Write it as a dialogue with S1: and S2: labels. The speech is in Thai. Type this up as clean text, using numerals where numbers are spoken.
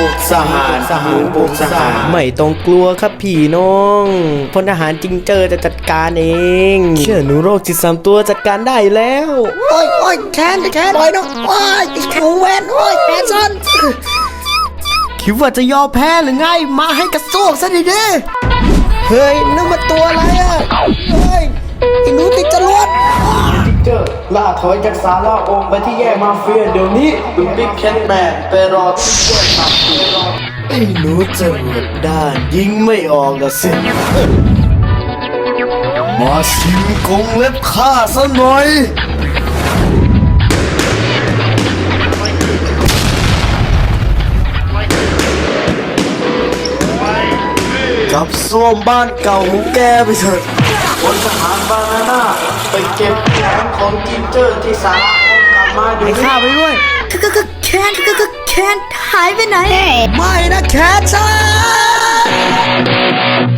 S1: กทหารหนูปลุกทหารไม่ต้องกลัวครับพี่น้องพลทหารจิงเจอจะจัดการเองเชื่อหนูโรคจิต3 ตัวจัดการได้แล้ว
S2: โอ้ยแคนปล่อยน้องโอ้ยหนูแวนโอ้ยแคนซันคิดว่าจะยอมแพ้หรือไงมาให้กระซวกซะดิเด้เฮ้ยนั่นมันตัวอะไรอ่ะเฮ้ยไอ้หนูติดจรวด
S1: เจอล่าถอยจากศาลาองค์ไปที่แยกมาเฟียเดี๋ยวนี้คุณบิ๊กแคทแมนไปรอที่แยกมาเฟียไอ้หนูจรวดด้านยิงไม่ออกละสิมาชิมกงเล็บข้าซะหน่อยกลับซ่วมบ้านเก่าของแกไปเถิดพลทหารบานาน่าไปเก็บแขนของจินเจอร์ที่ศาลากลับมาดูข้าไปด้วย
S2: แคนหายไปไหนไม่นะแคนซัน